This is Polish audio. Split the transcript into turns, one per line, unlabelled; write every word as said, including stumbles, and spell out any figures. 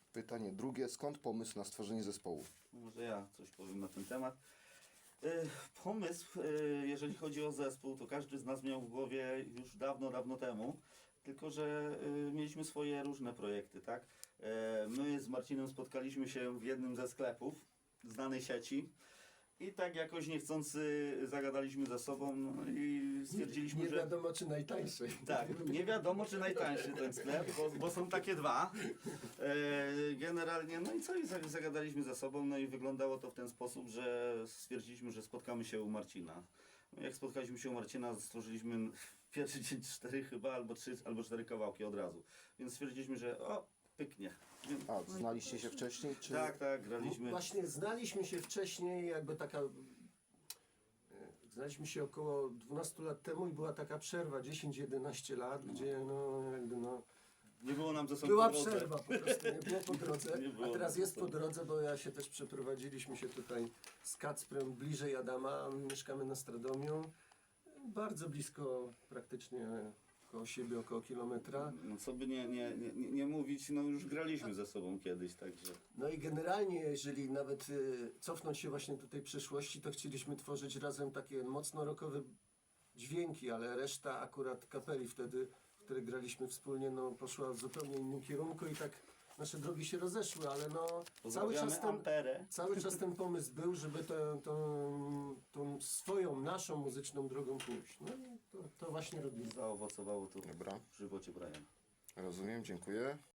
Pytanie drugie. Skąd pomysł na stworzenie zespołu?
Może ja coś powiem na ten temat. E, Pomysł, e, jeżeli chodzi o zespół, to każdy z nas miał w głowie już dawno, dawno temu. Tylko że e, mieliśmy swoje różne projekty, tak? E, My z Marcinem spotkaliśmy się w jednym ze sklepów znanej sieci. I tak jakoś niechcący zagadaliśmy ze sobą no i stwierdziliśmy,
Nie
że...
wiadomo czy najtańszej.
Tak, nie wiadomo czy najtańszy ten sklep, bo, bo są takie dwa. E, generalnie, no i co, i za- zagadaliśmy ze sobą, no i wyglądało to w ten sposób, że stwierdziliśmy, że spotkamy się u Marcina. No, jak spotkaliśmy się u Marcina, stworzyliśmy w pierwszy dzień cztery chyba, albo trzy, albo cztery kawałki od razu. Więc stwierdziliśmy, że o, pyknie. Więc,
A, znaliście się wcześniej? Czy...
tak, tak, graliśmy.
Właśnie znaliśmy się wcześniej, jakby taka... e, Znaliśmy się około dwunastu lat temu i była taka przerwa, dziesięć jedenaście lat, gdzie no jakby no...
Nie było nam ze sobą
Była
po drodze.
przerwa po prostu, nie było po drodze,
Nie było
a teraz
po
jest po
drodze.
drodze, bo ja się też przeprowadziliśmy się tutaj z Kacprem bliżej Adama, mieszkamy na Stradomiu, bardzo blisko praktycznie koło siebie, około kilometra.
No co by nie, nie, nie, nie mówić, no już graliśmy ze sobą kiedyś, także...
No i generalnie, jeżeli nawet y, cofnąć się właśnie do tej przeszłości, to chcieliśmy tworzyć razem takie mocno rockowe dźwięki, ale reszta akurat kapeli wtedy, w której graliśmy wspólnie, no poszła w zupełnie innym kierunku i tak nasze drogi się rozeszły, ale no cały
Pozdrawiamy
czas ten,
Amperę.
cały czas ten pomysł był, żeby tę tą, tą swoją, naszą muzyczną drogą pójść. No i to, to właśnie robimy.
Zaowocowało to
Dobra.
w żywocie Brian.
Rozumiem, dziękuję.